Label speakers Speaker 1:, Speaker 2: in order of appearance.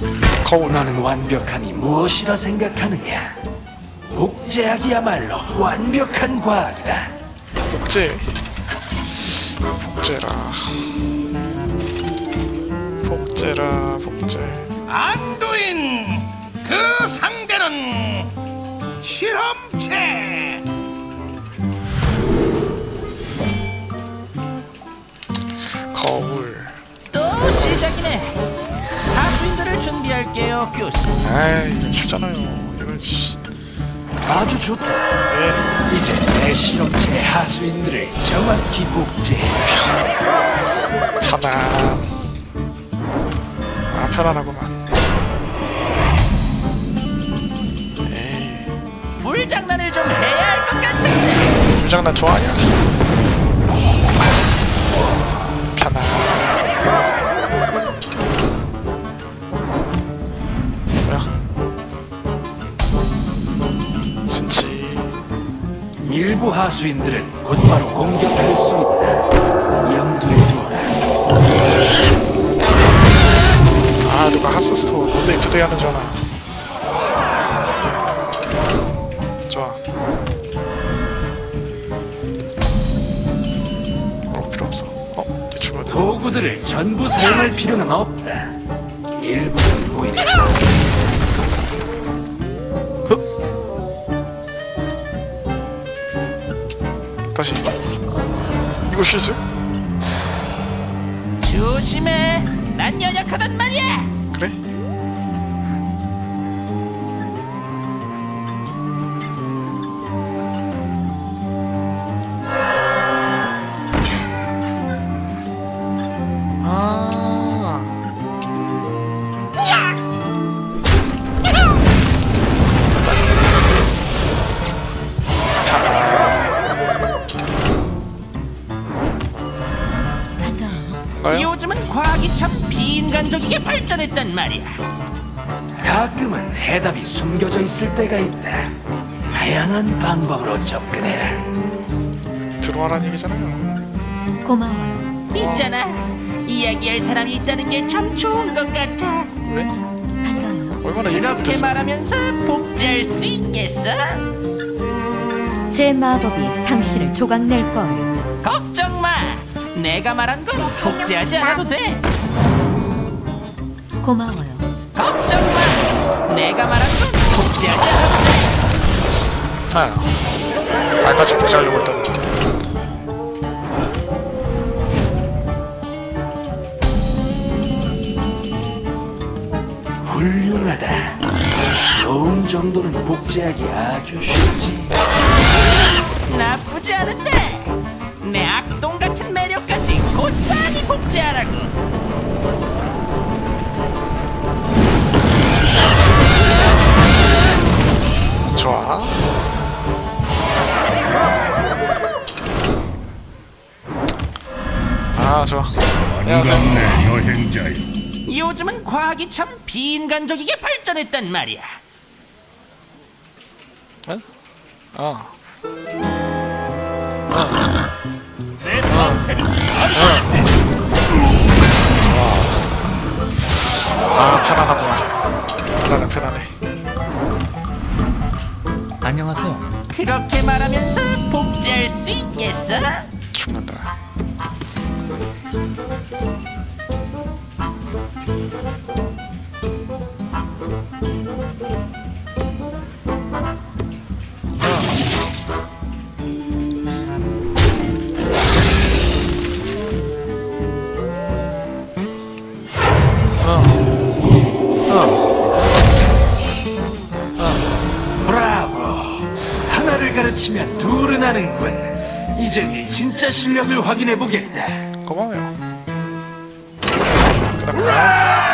Speaker 1: 거울.
Speaker 2: 너는 완벽함이 무엇이라 생각하느냐? 복제학이야말로 완벽한 과학이다.
Speaker 1: 복제라. 복제.
Speaker 3: 안두인 그 상대는 실험체.
Speaker 1: 거울.
Speaker 4: 또 시작이네. 학생들을 준비할게요, 교수.
Speaker 1: 에이, 이거 쉽잖아요. 이건 씨.
Speaker 2: 아주 좋다.
Speaker 1: 예.
Speaker 2: 이제 내 실험체 하수인들을 정확히 복제해.
Speaker 1: 편안. 아, 편안하구만.
Speaker 4: 불장난을 좀 해야 할 것 같은데.
Speaker 1: 불장난 좋아하냐? 편안. 뭐야? 진치.
Speaker 2: 일부 하수인들은 곧바로 공격할 수 있다. 염두에 두어라.
Speaker 1: 아, 누가 하스스토어 노데이 투데이 하는 줄 아나. 좋아. 필요 없어. 대충 하자.
Speaker 2: 도구들을 전부 사용할 필요는 없다. 일부는 오히려
Speaker 1: 다시. 이거 실수?
Speaker 4: 조심해. 난 연약하단 말이야.
Speaker 1: 그래? 아. 뭔가요?
Speaker 4: 요즘은 과학이 참 비인간적이게 발전했단 말이야.
Speaker 2: 가끔은 해답이 숨겨져 있을 때가 있다. 다양한 방법으로 접근해라.
Speaker 1: 들어와라는 얘기잖아요.
Speaker 5: 고마워요.
Speaker 4: 있잖아. 이야기할 사람이 있다는 게 참 좋은 것 같아.
Speaker 1: 왜?
Speaker 5: 반가워요.
Speaker 1: 얼마나 얘기
Speaker 4: 이렇게
Speaker 1: 못했어?
Speaker 4: 말하면서 복제할 수 있겠어?
Speaker 5: 제 마법이 당신을 조각낼 거예요.
Speaker 4: 걱정 마. 내가 말한 건 복제하지 않아도 돼.
Speaker 5: 고마워요.
Speaker 4: 걱정 마. 내가 말한 건 복제하지 않아도 돼.
Speaker 1: 아, 말까지 복제하려고 했더니.
Speaker 2: 훌륭하다. 좋은 정도는 복제하기 아주 쉽지.
Speaker 4: 나쁘지 않은데. 내 악동 같은 매력까지 고스란히 복제하라고.
Speaker 1: 좋아. 아, 좋아. 안녕하세요.
Speaker 3: 반갑네 여행자여.
Speaker 4: 요즘은 과학이 참 비인간적이게 발전했단 말이야.
Speaker 1: 어? 아. 아, 편안하구만. 편안해.
Speaker 4: 안녕하세요. 그렇게 말하면서 복제할 수 있겠어?
Speaker 1: 죽는다.
Speaker 2: 브라보. 하나를 가르치면 둘은 하는군. 이제 네 진짜 실력을 확인해 보겠다.
Speaker 1: 고마워요. 그다음